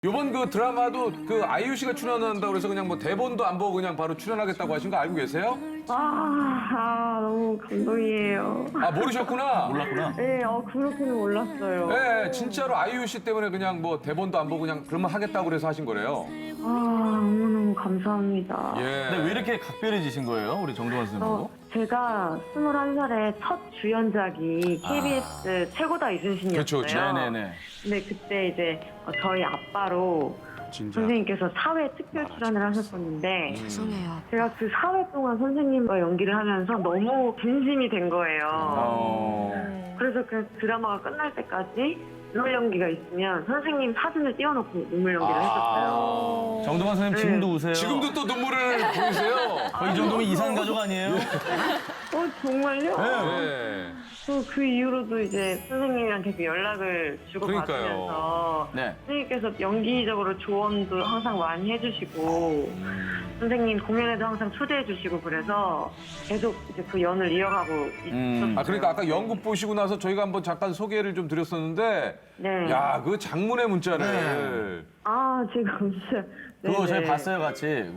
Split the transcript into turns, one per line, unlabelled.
요번 그 드라마도 그 아이유 씨가 출연한다고 그래서 그냥 뭐 대본도 안 보고 그냥 바로 출연하겠다고 하신 거 알고 계세요?
너무 감동이에요.
아, 모르셨구나.
몰랐구나.
네, 그렇게는 몰랐어요.
네, 진짜로 아이유 씨 때문에 그냥 뭐 대본도 안 보고 그냥 그러면 하겠다고 그래서 하신 거래요.
너무너무 감사합니다.
예.
근데 왜 이렇게 각별해지신 거예요? 우리 정동원 선생님하고?
제가 21살에 첫 주연작이 KBS 최고다 이순신이었어요.
그렇죠, 그렇죠.
네네네.
근데 그때 이제 저희 아빠로 선생님께서 사회 특별 출연을 하셨었는데
죄송해요.
제가 그 4회 동안 선생님과 연기를 하면서 너무 진심이 된 거예요. 그래서 그 드라마가 끝날 때까지 눈물 연기가 있으면 선생님 사진을 띄워놓고 눈물 연기를 했었어요.
정동원 선생님 지금도 우세요?
지금도 또 눈물을 보이세요?
이 정도면 이산 가족 아니에요?
정말요?
네.
그 이후로도 이제 선생님한테 그 연락을 주고받으면서
네.
선생님께서 연기적으로 조언도 항상 많이 해주시고 선생님 공연에도 항상 초대해주시고 그래서 계속 이제 그 연을 이어가고 있었어요.
아, 그러니까 아까 연극 보시고 나서 저희가 한번 잠깐 소개를 좀 드렸었는데,
네.
야, 그 장문의 문자를.
제가 진짜
그거
네네.
저희 봤어요, 같이.